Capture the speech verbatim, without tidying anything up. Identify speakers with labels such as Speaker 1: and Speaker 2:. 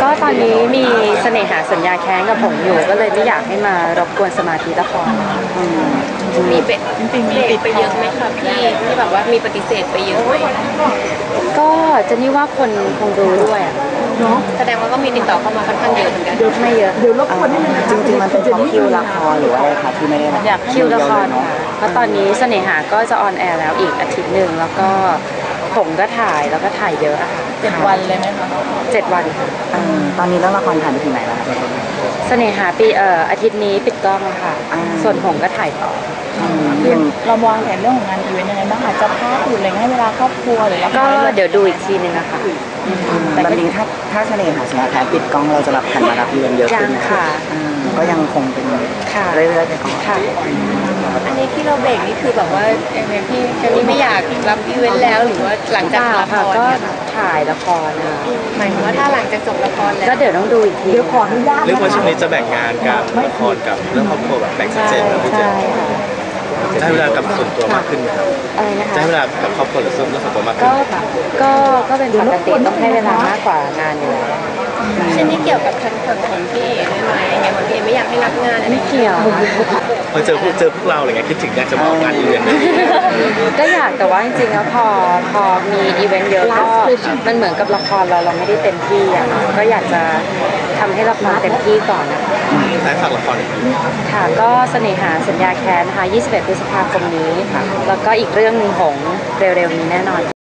Speaker 1: ก็ตอนนี้มีเสน่หาสัญญาแค้นกับผมอยู่ก็เลยไม่อยากให้มารบกวนสมาธิละคร
Speaker 2: มีเป็ดจริงๆมีติดไปเยอะไหมคะพี่ที่แบบว่ามีปฏิเสธไปเยอะไหม
Speaker 1: ก็จะนี่ว่าคนคงรู้ด้วยอ่ะ
Speaker 2: แสดงว่าก็มีติดต่อเข้ามาค่อนข้างเยอะเหมือนกัน
Speaker 1: ไม่เยอะ
Speaker 3: เดี๋ยวรบกวนให้มัน
Speaker 4: จริงๆมันเป็นเพราะคิวละครหรือว่าอะไรคะที่ไม่ได้
Speaker 1: อยากคิวละครค่ะเพราะตอนนี้เสน่หาก็จะออนแอร์แล้วอีกอาทิตย์หนึ่งแล้วก็ผมก็ถ่ายแล้วก็ถ่ายเยอะอะค่ะ
Speaker 2: เจ็ดวันเลยไหมคะ
Speaker 1: เจ็ดวันค่ะ
Speaker 4: ตอนนี้เรื่องละครถ่ายไปถึงไหนแล้วคะ
Speaker 1: เสน่หาปีเอ่ออาทิตย์นี้ปิดกล้องค่ะส่วนผมก็ถ่ายต่อ
Speaker 2: เราวางแผนเรื่องของงานอีเวนต์ยังไงบ้างอาจจะพักหรืออะไรให้เวลาครอบครัวหรือว่า
Speaker 1: ก็เดี๋ยวดูอีกทีนึงนะคะ
Speaker 4: แบบนี้ถ้าถ้าเสน่หาสัญญาแค้นปิดกล้องเราจะรับขันมารับอีเวนต์เยอะขึ้น
Speaker 1: ค่ะ
Speaker 4: ก็ยังคงเป็นเรื่อยๆไปก่อน
Speaker 1: ค่ะ
Speaker 2: อันนี้ที่เราเบรกนี่คือแบบว่าเอ็มพี่แค่นี้ไม่อยากรับอีเวนต์แล้วหรือว่าหลังจากละคร
Speaker 1: ก็ถ่ายละครนะ
Speaker 2: หมายถึงว่าถ้าหลังจากจบละครแล้ว
Speaker 1: ก็เดี๋ยวต้องดูอีกที
Speaker 3: เดี๋ยวขออนุญาต
Speaker 5: เรื่องว่าช่วงนี้จะแบ่งงานกับละครกับเรื่องครอบครัวแบบแบ่งชัดเจนแล้วพี่เจนจะให้เวลากับส่วนตัวมากขึ้นไหมครับ
Speaker 1: อะไรนะคะ
Speaker 5: จะให้เวลากับครอบครัวหรือส่วนตัวมากขึ้น
Speaker 1: ก็ก็ก็เป็นปกติต้องให้เวลามากกว่างานอยู่แล้ว
Speaker 2: เช่นนี้เกี่ยวกับทางฝั่งของพี่เอ๋ด้วยไหมอย่างพี่เอ๋ไม่อยากให้รับงานอะไร
Speaker 1: ไม่เกี่ยว
Speaker 5: พอเจอพวกเจอพวกเราอะไรเงี้ยคิดถึงอยากจะมาออกงานอีเวนต์
Speaker 1: ก็อยากแต่ว่าจริงๆแล้วพอพอมีอีเวนต์เยอะก็มันเหมือนกับละครเราเราไม่ได้เต็มที่อ่ะก็อยากจะทำให้ละครเต็มที่ก่อนนะคะ
Speaker 5: ท้ายฝากละคร
Speaker 1: ค่ะก็เสน่หาสัญญาแค้นนะคะยี่สิบเอ็ดพฤษภาคมนี้แล้วก็อีกเรื่องหนึ่งของเร็วๆนี้แน่นอน